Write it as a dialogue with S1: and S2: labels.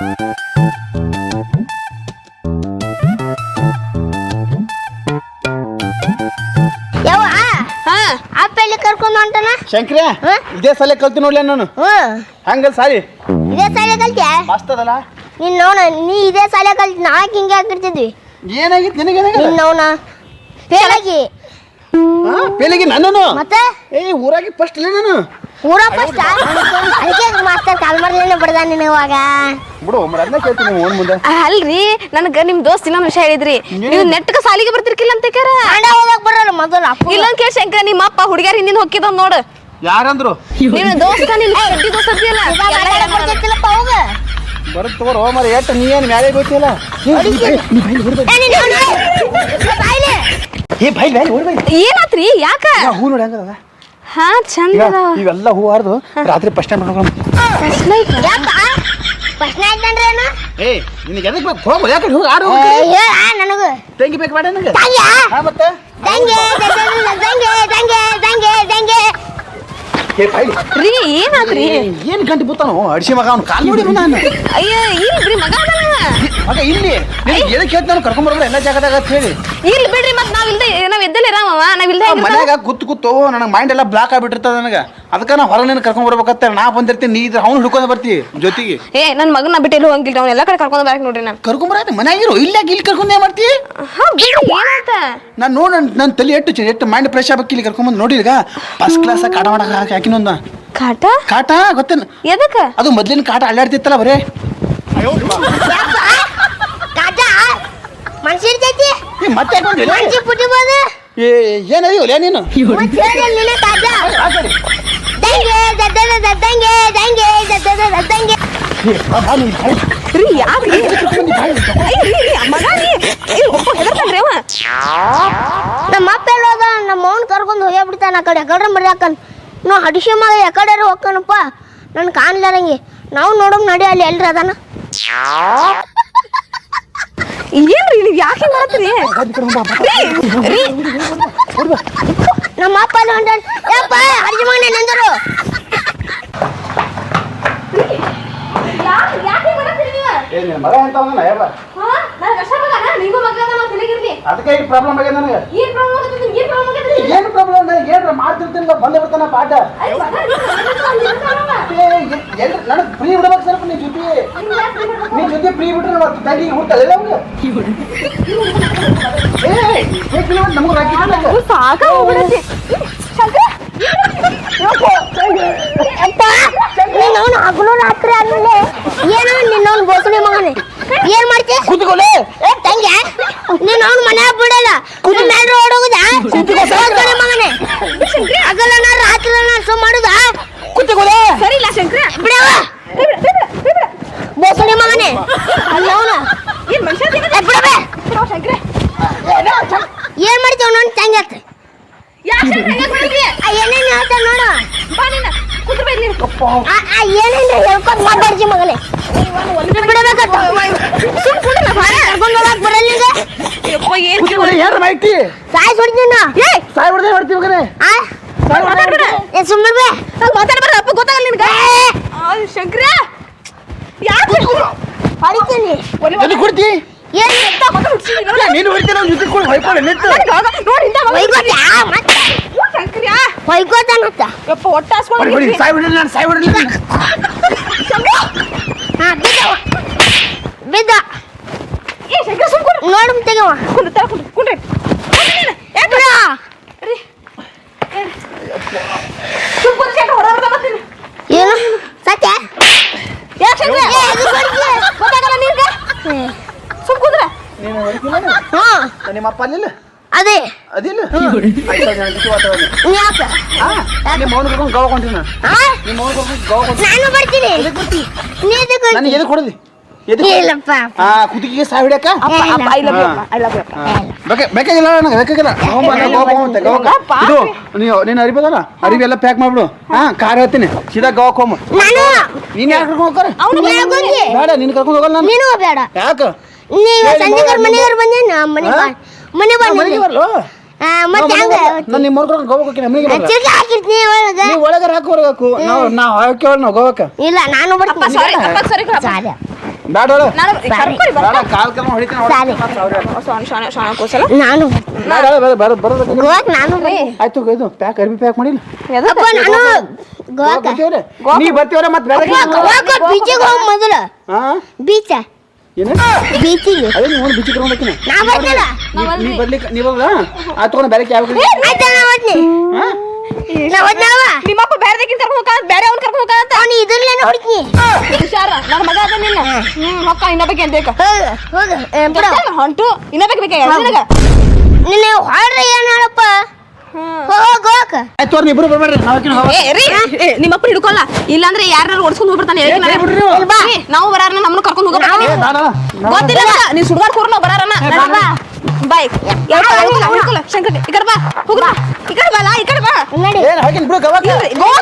S1: ಯಾವ ಅಪ್ಪಲ್ಲಿ ಕರ್ಕೊಂಡು ಹೊಂಟನ
S2: ಶಂಕ್ರ ಇದೇ ಸಲ ಕಲ್ತು ನೋಡ್ಲಿ ನಾನು ಹಂಗಲ್ ಸಾರಿ
S1: ಇದೇ ಸಾಲೆ ಕಲ್ತ್ಯಾ
S2: ಮಸ್ತ್ ಅದಲ್ಲ
S1: ನೀನ್ ನೋಡ ನೀ ಇದೇ ಸಾಲೆ ಕಲ್ತಿ ನಾಕ್ ಹಿಂಗೆ ಹಾಕಿರ್ತಿದ್ವಿ
S2: ಏನಾಗಿತ್ತು ನಿನಗೇನಾಗ
S1: ನೀನ್ ನೋನ ಫೇಲಾಗಿ
S2: ಪೇಲಿಗೆ ನಾನು
S1: ಮತ್ತೆ
S2: ಊರಾಗಿ ಫಸ್ಟ್ ಇಲ್ಲ ನಾನು
S1: ಊರ ಫಸ್ಟ್ ಅದಕ್ಕೆ ಮಾಸ್ತರ್ ಕಾಲ್ ಮಾಡ್ಲೇನೆ ಬಿಡ್ದ ನೀನು ಇವಾಗ
S2: ಬಿಡು ಅದನ್ನ ಕೇಳ್ತೀನಿ ಓನ್ ಮುಂದೆ
S3: ಅಲ್ರಿ ನನಗ ನಿಮ್ ದೋಸ್ತ್ ಇನ್ನೊಂದು ವಿಷಯ ಹೇಳಿದ್ರಿ ನೀವು ನೆಟ್ಟಕ ಸಾಲಿಗೆ ಬರ್ತಿರ್ಕಿಲ್ಲ ಅಂತ ಕೇರ
S1: ಆಂಡ ಹೋಗಕ್ ಬರಲ್ಲ ಮೊದಲು ಅಪ್ಪ
S3: ಇಲ್ಲೊಂದ್ ಕೇಳಿ ಶಂಕರ ನಿಮ್ಮ ಅಪ್ಪ ಹುಡುಗ್ಯಾರ ಹಿಂದಿನ ಹೊಕ್ಕಿದ ನೋಡು
S2: ಯಾರಂದ್ರು
S3: ನಿನ್ನ ದೋಸ್ತ ನಿನ್ ಸಡ್ಡಿ ದೋಸ್ತ
S1: ಬರ್ತಿಲ್ಲಪ್ಪ ಹೋಗ
S2: ಬರುತ್ತ ತಗೋರು ಮರ ಎಟ್ಟು ನೀ ಏನು ಮ್ಯಾಲೆ ಗೊತ್ತಿಲ್ಲ
S3: ಏನಾತ್ರಿ ಯಾಕ
S2: ಹೂ ನೋಡಿ ಹಂಗದ
S3: ಹಾ ಚಂದ
S2: ಇವೆಲ್ಲ ಹೂ ಹಾರ್ದು ರಾತ್ರಿ ಫಸ್ಟ್ ಟೈಮ್ ಮಾಡ್ಕೊಂಡು
S1: ಪ್ರಶ್ನೆ ಆಯ್ತಂದ್ರೆ ಏನು
S2: ನಿನಗೆ ಎದಕ್ಕೆ ಬೇಕು ಹೋಗು ಯಾಕೆ ಹೋಗಿ ಆಡು
S1: ನನಗೂ
S2: ತೆಂಗಿ ಬೇಕು ಬೇಡ ನನಗೆ ಮತ್ತೆ
S1: ದಂಗೆ ದಂಗೆ ದಂಗೆ ದಂಗೆ ದಂಗೆ
S3: ರೀ ಏನಾತ್ರಿ
S2: ಏನು ಗಂಟೆ ಬುತ್ತಾನು ಅಡಿಸಿ ಮಗ ಅವ್ನು ಕಾಲು ನೋಡಿ ನಾನು
S3: ಅಯ್ಯ ಇಲ್ರಿ ಮಗ
S2: ಮಗ ಇಲ್ಲಿ ಎದಕ್ಕೆ ಕೇಳ್ತ ನಾನು ಕರ್ಕೊಂಬರ್ಬೋದು ಎಲ್ಲ ಜಾಗದಾಗ ಅಂತ ಹೇಳಿ
S3: ಇಲ್ಲಿ ಬಿಡ್ರಿ ಮತ್ ನಾವ್ ಎದ್ದಲ್ಲೇ ರಾಮವ ನಾವಿಲ್ದೆ
S2: ಮನ್ಯಾಗ ಕೂತು ನನಗೆ ಮೈಂಡ್ ಎಲ್ಲ ಬ್ಲಾಕ್ ಆಗ್ಬಿಟ್ಟಿರ್ತದ ನನಗೆ ಅದಕ್ಕೆ ನಾ ಹೊರಗೆ ನೀನು ಕರ್ಕೊಂಡ್ ಬರ್ಬೇಕಂತ ನಾ ಬಂದಿರ್ತೀನಿ ನೀ ಇದ್ರೆ ಅವ್ನು ಹಿಡ್ಕೊಂಡು ಬರ್ತೀವಿ ಜೊತೆಗೆ
S3: ನನ್ ಮಗನ ಬಿಟ್ಟು ಎಲ್ಲೂ ಹೋಗಿಲ್ಲ ಅವ್ನ ಎಲ್ಲ ಕಡೆ ಕರ್ಕೊಂಡ್ ಬರಕ್ ನೋಡ್ರಿ ನಾನು
S2: ಕರ್ಕೊಂಬರಾಯ್ತು ಮನ್ಯಾಗಿರು ಇಲ್ಲಿ ಕರ್ಕೊಂಡ್ ಏನ್ ಮಾಡ್ತಿ ನಾನು ನೋಡ ನನ್ನ ತಲೆ ಎಷ್ಟು ಮೈಂಡ್ ಫ್ರೆಶ್ ಆಗ್ಬೇಕು ಇಲ್ಲಿ ಕರ್ಕೊಂಬಂದು ನೋಡಿ ಈಗ ಫಸ್ಟ್ ಕ್ಲಾಸ್ ಕಾಟ ಮಾಡಕ್ ಹಾಕಿನೊಂದ
S3: ಕಾಟ
S2: ಕಾಟ ಗೊತ್ತೇನು
S3: ಎದಕ್ಕ
S2: ಅದು ಮೊದ್ಲಿನ ಕಾಟ ಅಲ್ಲಾಡ್ತಿತ್ತಲ್ಲ ಬರೇ
S1: ಮನ್ಸಿರ್ತೈತಿ
S2: ಮತ್ತೆ
S1: ಮನ್ಸಿ ಪುಟಿಬೋದು
S2: ಏನಯ್ಯೋಲ್ಲ ನೀನು
S1: ದಂಗೆ ದದ್ದದ ದದ್ದಂಗೆ ದಂಗೆ ದದ್ದದ ದದ್ದಂಗೆ
S3: ರೀ ಯಾಕ್ರಿ ಮಗ
S1: ನಮ್ಮ ಅಪ್ಪ ಎಲ್ಲೋದ ನಮ್ಮ ಅವ್ನ ಕರ್ಕೊಂಡು ಹೋಗ್ಬಿಡ್ತಾನ ಆ ಕಡೆ ಎಕಡೆ ಮರ್ಯಾಕನ್ ನೋ ಹಡಿಸಿ ಮಗ ಎಕಡೆ ಹೋಗ್ಕನಪ್ಪ ನನ್ ಕಾಣ್ಲಾರಂಗೆ ನಾವು ನೋಡೋಂಗ್ ನಡಿ ಅಲ್ಲಿ ಎಲ್ರಿ ಅದಾನ
S3: ಏನ್ರಿ ನೀವು ಯಾಕೆ ಮಾಡತ್ರಿ
S1: ನಮ್ಮ ಅಪ್ಪ ಅಲ್ಲಿ ಹೊಂಟ ಯಪ್ಪ ಹಡಿಸಿ ಮಗನೇ ನಂದರು
S2: ಮಗ ಅಂತ ಅದಕ್ಕೆ ಈಗ ಪ್ರಾಬ್ಲಮ್ ಆಗ್ಯದ ನನಗೆ ಏನು ಪ್ರಾಬ್ಲಮ್ ಏನ್ರ ಮಾಡ್ತಿರ್ತೀನಿ ಬಂದೇ ಬಿಡ್ತಾನ ಪಾಠ ನನಗೆ ಫ್ರೀ ಬಿಡ್ಬೇಕು ಸ್ವಲ್ಪ ನೀ ಜೊತೆ ಫ್ರೀ ಬಿಟ್ರೆ ಮತ್ತೆ ತಂಗಿ ಹುಟ್ಟಲ್ಲ ನಮ್ಗೆ ರಾಕಿ
S3: ಸಾಕ ಹೋಗ್ಬಿಡತ್ತೆ
S1: ನಿನ್ನವನು ಹಗಲು ರಾತ್ರಿ ಆದ್ಮೇಲೆ ಏನೋ ನಿನ್ನವನು ಬೋಸಣಿ ಮಗನೇ ಏನ್ ಮಾಡ್ತಿ
S2: ಕೂತ್ಕೊಳ್ಳಿ
S1: ತಂಗೆ ನಿನ್ನವನು ಮನೆ ಬಿಡಲ್ಲ ಮೇಲೆ ಓಡೋಗುದಾ ಬೋಸಣಿ ಮಗನೇ ಹಗಲನ ರಾತ್ರಿನ ಸು ಮಾಡುದಾ
S2: ಕೂತ್ಕೊಳ್ಳಿ
S3: ಸರಿ ಇಲ್ಲ ಶಂಕರ
S1: ಬಿಡವ ಬೋಸಣಿ ಮಗನೇ ಅಲ್ಲವನು
S3: ಏನ್ ಮನುಷ್ಯ
S1: ಬಿಡಬೇ
S3: ಶಂಕರ
S1: ಏನ್ ಮಾಡ್ತೀವ ನೋಡ್ ತಂಗೆ ಏನೇನು ಹೇಳ್ತಾ ನೋಡು ಏನೇನು ಹೇಳ್ಕೊಂಡು ಮಾತಾಡ್ಸಿ ಮಗನೇ ಬಿಡಬೇಕಂತ
S2: ಯಾರು ಮಾಹಿತಿ
S1: ಸಾಯ್ ಸುಡ್ತೀನಿ
S2: ಸಾಯ್ ಹೊಡೆದೇ ಮಾಡ್ತೀವಿ ಮಗನೇ
S1: ಸುಮ್ಮನೆ
S3: ಮಾತಾಡ್ಬಾರ ಅಪ್ಪ ಗೊತ್ತಾಗಲ್ಲ ನಿನ್ಗೆ ಶಂಕರ ಯಾಕೆ
S1: ಹೊಡಿತೀನಿ
S2: ಎಲ್ಲಿ ಕೊಡ್ತಿ
S1: ಏನು
S2: ನೀನು ಹೊಡಿತೀನಿ ಅವ್ನು ಜೊತೆ ಕೂಡ ಹೊಯ್ಕೊಳ್ಳಿ ನಿಂತು
S1: ಹೊಯ್ಕೋತಾನತ್ತ
S3: ಯಪ್ಪ ಹೊಟ್ಟೆ ಹಾಸ್ಕೊಂಡು
S2: ಹೊಡಿ ಸಾಯ್ ಹೊಡಿಲ್ಲ ನಾನು ಸಾಯ್ ಹೊಡಿಲ್ಲ
S1: ಹಾಂ ಬಿದ್ದ
S3: ಏ ಶಂಕರ ಸುಮ್ಕೊಂಡು
S1: ನೋಡು ತೆಗವ
S3: ಕುಂಡ್ರಿ
S1: ಏನು ಸತ್ಯ
S3: ಯಾಕೆ ಗೊತ್ತಾಗಲ್ಲ ನಿನ್ಗೆ ಸುಮ್ ಕುಂದ್ರ
S1: ಹಾಂ
S2: ನಿಮ್ಮ ಅಪ್ಪ ಅಲ್ಲಿಲ್ಲ
S1: ಅದೇ
S2: ಅದಿಲ್ಲ
S1: ಯಾಕೆ
S2: ನಿಮ್ಮ ಮೌನ ಕರ್ಕೊಂಡು ಗೋವಾ ಕೊಂತೀನಿ ನಾನು ನಿಮ್ಮ ಮೌನ ಕರ್ಕೊಂಡು ಗೋವಾ ಕೊಂತೀನಿ
S1: ನಾನು ಬರ್ತೀನಿ ನೀ
S2: ನನಗೆ ಎದಕ್ಕೆ ಹೊಡೆದಿ
S1: ಇಲ್ಲಪ್ಪ
S2: ಕುದಿಗೆ ಸಾಯ್ ಹೊಡ್ಯಾಕ ಬೇಕಾಗಿಲ್ಲ ನನಗೆ ಬೇಕಾಗಿಲ್ಲ ಇದು ನೀನು ಅರಿಬೋದಲ್ಲ ಅರಿವಿ ಎಲ್ಲ ಪ್ಯಾಕ್ ಮಾಡ್ಬಿಡು ಕಾರ್ ಹೇಳ್ತೀನಿ ಸೀದಾ ಗೋವಾಕ್ ಹೋಮ ನೀನ್ ಯಾಕೆ ಕರ್ಕೊಂಡು ಹೋಗ್ತಾರೆ ಬೇಡ ನೀನು ಕರ್ಕೊಂಡು ಹೋಗಲ್ಲ ನಾನು
S1: ನೀನು ಬೇಡ
S2: ಯಾಕೆ
S1: ನೀವು ಸಂಜೆ ಮನೆಯವ್ರು ಬಂದೇನು ಮನೆ
S2: ಮನೆಗೆ ಬರ್ಲು
S1: ಮತ್ತೆ ಹಂಗ
S2: ನಾನು ನಿಮ್ಮ ಕರ್ಕೊಂಡು ಗೋವಾಕ್ ಹೋಗ್ತೀನಿ ಮನೆಗೆ
S1: ಚಿಲ್ಕ ಹಾಕಿರ್ತೀನಿ ಒಳಗೆ
S2: ನೀವು ಒಳಗೆ ಹಾಕು ಹೊರಗೆ ಹಾಕು ನಾವು ಹಾಕಿ ನಾವು ಗೋವಾಕ
S1: ಇಲ್ಲ ನಾನು ಬರ್ತೀನಿ
S3: ಸಾರಿ
S2: ಬ್ಯಾಡ ಹೇಳು.
S3: ನಾನು ಕರ್ಕೊಳ್ಳಿ
S2: ಬೇಡ ಕಾಲ್ ಕರ್ಮ ಹೊಡಿತೀನಿ
S1: ಸಾರಿ.
S3: ಶಾಣ ಕೂಸಲ
S1: ನಾನು
S2: ಬೇಡ ಹೇಳು, ಬರೋದಕ್ಕೆ
S1: ಗೋವಾಕ್ ನಾನು
S2: ಆಯ್ತು ಇದು ಪ್ಯಾಕ್ ಅರ್ಬಿ ಪ್ಯಾಕ್ ಮಾಡಿಲ್ಲ
S1: ಅಪ್ಪ ನಾನು ಗೋವಾಕ
S2: ನೀ ಬರ್ತೀವ್ರ ಮತ್ತೆ ಬೇಡ
S1: ಗೋವಾಕ ಬೀಚಿಗೆ ಹೋಗ್ ಮೊದಲು
S2: ಹಾ
S1: ಬೀಚ
S2: ಏನು
S1: ಬೀಚಿಗೆ
S2: ಅದೇ ನೀವು ಒಂದು ಬಿಚ್ಚಿ ಕರ್ಕೊಂಡ್ಬರ್ತೀನಿ
S1: ನಾ ಬರ್ತಿಲ್ಲ
S2: ನೀ ಬರ್ಲಿಕ್ಕೆ ನೀ ಬರೋದ ಆ ತಗೊಂಡು ಬೇರೆ ಯಾವ
S1: ಆಯ್ತಾ ನಾ ಓದ್ನಿ ನಾ ಓದ್ನವ
S3: ನಿಮ್ಮಪ್ಪ ಬೇರೆದಕ್ಕಿಂತ ಕರ್ಕೊಂಡು ಹೋಗ ಬೇರೆ ಅವ್ನು ಕರ್ಕೊಂಡು ಹೋಗ
S1: ಅವ್ನು ಇದ್ರಲ್ಲೇನೆ ಹೊಡಿತೀನಿ
S3: ಹುಷಾರ ನನ್ನ ಮಗ ಅದ ನಿನ್ನ ಹೊಕ್ಕ ಇನ್ನೊಬ್ಬಕ್ಕೆ ಅಂತ ಬೇಕ
S1: ಹೋಗ ಬಿಡ
S3: ಹೊಂಟು ಇನ್ನೊಬ್ಬಕ್ಕೆ ಬೇಕಾ ನಿನಗ
S1: ನಿನ್ನ ಹೊಡ್ರಿ ಏನ್ ಹೇಳಪ್ಪ ಹೋಗ ಗೋವಾಕ
S2: ಆಯ್ತು ಅವ್ರು ಇಬ್ರು ಬರ್ಬೇಡ್ರಿ ನಾವಕಿನ ಹೋಗ
S3: ನಿಮ್ಮಪ್ಪ ಹಿಡ್ಕೊಲ್ಲ ಇಲ್ಲಾಂದ್ರೆ ಯಾರು ಓಡಿಸ್ಕೊಂಡು ಹೋಗ್ಬಿಡ್ತಾನೆ ನಾವು ಬರಾರ ನಮ್ಮನ್ನು ಕರ್ಕೊಂಡು ಹೋಗ್ಬೇಕು ಗೊತ್ತಿಲ್ಲ ನೀ ಸುಡ್ಗಾಡ್ ಕೂರ್ ನಾವು ಬರಾರನ ಬಾಯ್ ಶಂಕರ್ ಈ ಕಡೆ ಬಾ ಹೋಗ್ರ ಈ ಕಡೆ ಬಾ ಈ ಕಡೆ ಬಾ
S1: ನಡಿ
S2: ಏನು ಹಾಕಿನ ಬಿಡು ಗವಾಕ